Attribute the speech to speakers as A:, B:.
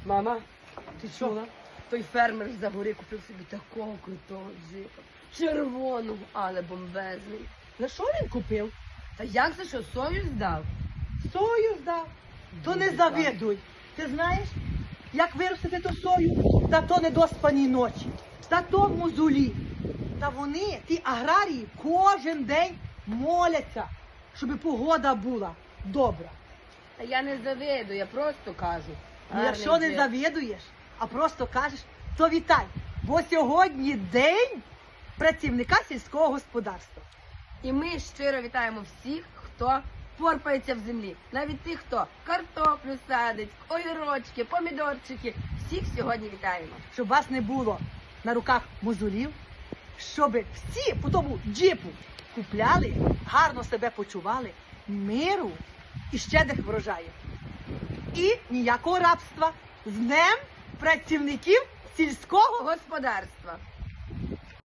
A: Мама, ти чула? Той фермер з-за гори купив собі такого крутого джипа. Червоного, але бомбезний.
B: За що він купив?
A: Та як це що, сою здав?
B: Сою здав. То не
A: Дуже
B: завидуй. Ти знаєш, як виростити ту сою, та то недоспані ночі, та то в мозолі. Та вони, ті аграрії, кожен день моляться, щоб погода була добра.
A: Та я не завидую, я просто кажу.
B: І
A: Гарний
B: якщо не
A: джип.
B: завідуєш, а просто кажеш, то вітай, бо сьогодні день працівника сільського господарства.
A: І ми щиро вітаємо всіх, хто порпається в землі. Навіть тих, хто картоплю садить, огірочки, помідорчики. Всіх сьогодні вітаємо.
B: Щоб вас не було на руках мозолів, щоб всі по тому джипу купляли, гарно себе почували, миру і щедрих врожаїв. І ніякого рабства. З Днем працівників сільського
A: Господарства.